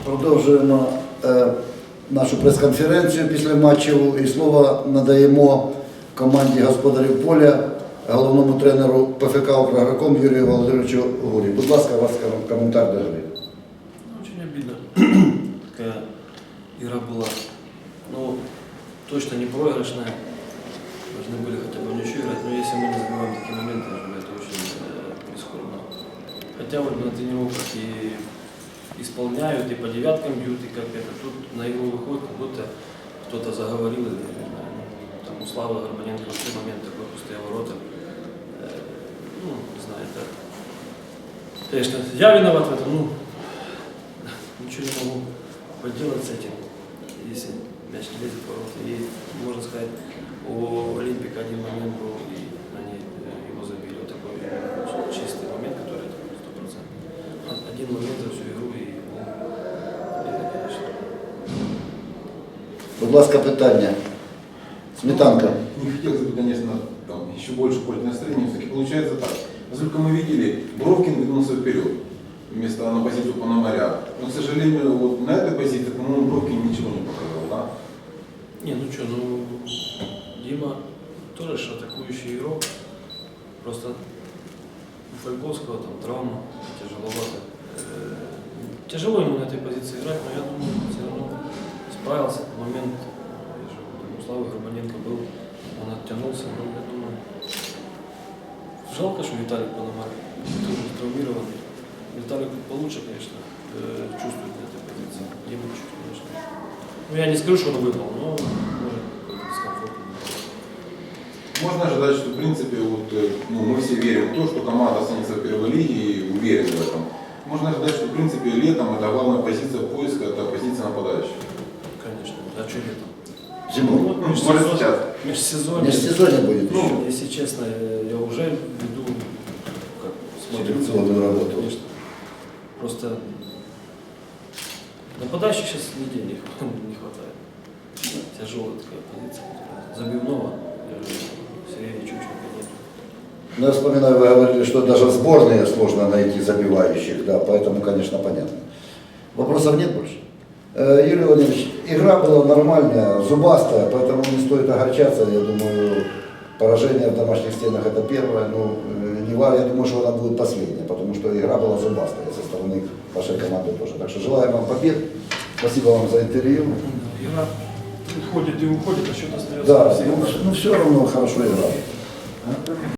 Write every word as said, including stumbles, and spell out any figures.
Продовжуємо е, нашу прес-конференцію після матчів і слово надаємо команді господарів поля, головному тренеру ПФК «Украгроком» Юрію Володимировичу Гурі. Будь ласка, у вас коментар до гри. Очень обидно. Такая игра была, ну, точно не проигрышная. Должны были хотя бы в ничью играть, но если мы не забиваем такие моменты, это очень э, прискорбно. Хотя вот на тренировках и исполняют, и по девяткам бьют, и как это. Тут на игру выходит, как будто кто-то заговорил, или, не знаю, ну, там у Славы Горбаненко в тот момент такой пустые ворота. Э, ну, не знаю, это... Конечно, я виноват в этом, ну, ничего не могу поделать с этим, если мяч не лезет в ворота. И, можно сказать, у Олимпика один момент был, и они его забили. Вот такой чистый момент, который сто процентов. Один момент за всю игру, и, ну, обидно, конечно. Будь ласка, питання. Сметанка. Не хотелось бы, конечно, там, еще больше пользовать настроение. Все-таки получается так. Насколько мы видели, Бровкин двинулся вперед вместо на позицию Пономаря. Но, к сожалению, вот на этой позиции, по-моему, Бровкин ничего не показал, да? Не, ну что, ну, Дима тоже же атакующий игрок. Просто у Фольковского там травма, тяжеловато. Э, Тяжело ему на этой позиции играть, но я думаю, все равно справился. Момент, я же, там, у Славы Горбаненко был, он оттянулся, но я думаю, жалко, что Виталик Пономарь тоже травмированный. Виталик получше, конечно, э, чувствует на этой позиции. Дима чуть, конечно. Ну, я не скажу, что он выпал, но может какой-то дискомфорт. Можно ожидать, что, в принципе, вот, ну, мы все верим в то, что команда останется в первой лиге и уверены в этом. Можно ожидать, что, в принципе, летом это главная позиция поиска, это позиция нападающего. Конечно. А что летом? Зимой. Ну, вот Ну, межсезонье, может, сейчас. межсезонье. Межсезонье будет еще. Ну, если честно, я уже веду, как, смотрю, Селекционную работу. конечно. Просто нападающих сейчас нигде не, не хватает. Тяжелая такая позиция. Забивного, я же Сергея Чученко нет. Ну, я вспоминаю, вы говорили, что даже в сборные сложно найти забивающих, да, поэтому, конечно, понятно. Вопросов нет больше? Э, Юрий Владимирович, игра была нормальная, зубастая, поэтому не стоит огорчаться. Я думаю, поражение в домашних стенах это первое, но э, не важно, я думаю, что она будет последняя, потому что игра была зубастая со стороны вашей команды тоже. Так что желаем вам побед, спасибо вам за интервью. Игра уходит и уходит, а счет остается. Да, ну, ну все равно хорошо играли.